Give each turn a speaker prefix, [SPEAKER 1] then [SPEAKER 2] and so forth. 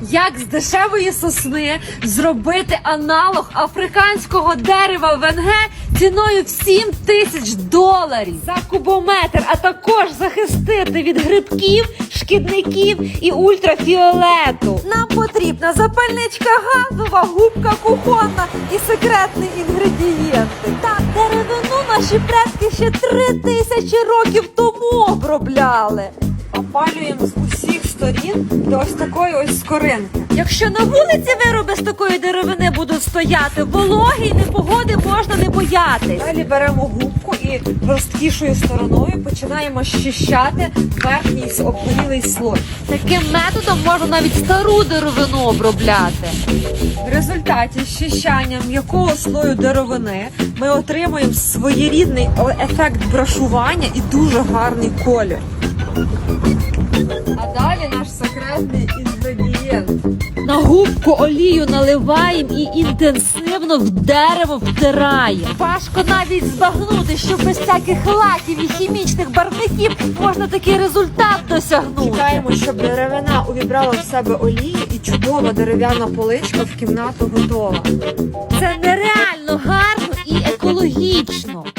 [SPEAKER 1] Як з дешевої сосни зробити аналог африканського дерева ВНГ ціною в $7000 за кубометр, а також захистити від грибків, шкідників і ультрафіолету. Нам потрібна запальничка газова, губка кухонна і секретний інгредієнт. Так, деревину наші предки ще 3000 років тому обробляли. Опалюємо з усіх сторін до ось такої ось скоринки. Якщо на вулиці вироби з такої деревини будуть стояти, вологи й непогоди можна не боятись. Далі беремо губку і жорсткішою стороною починаємо щищати верхній обгорілий слой. Таким методом можна навіть стару деревину обробляти. В результаті щищання м'якого слою деревини ми отримуємо своєрідний ефект брашування і дуже гарний колір. А далі наш секретний інгредієнт. На губку олію наливаємо і інтенсивно в дерево втираємо. Важко навіть збагнути, що без всяких лаків і хімічних барвників можна такий результат досягнути. Чекаємо, щоб деревина увібрала в себе олію і чудова дерев'яна поличка в кімнату готова. Це нереально гарно і екологічно.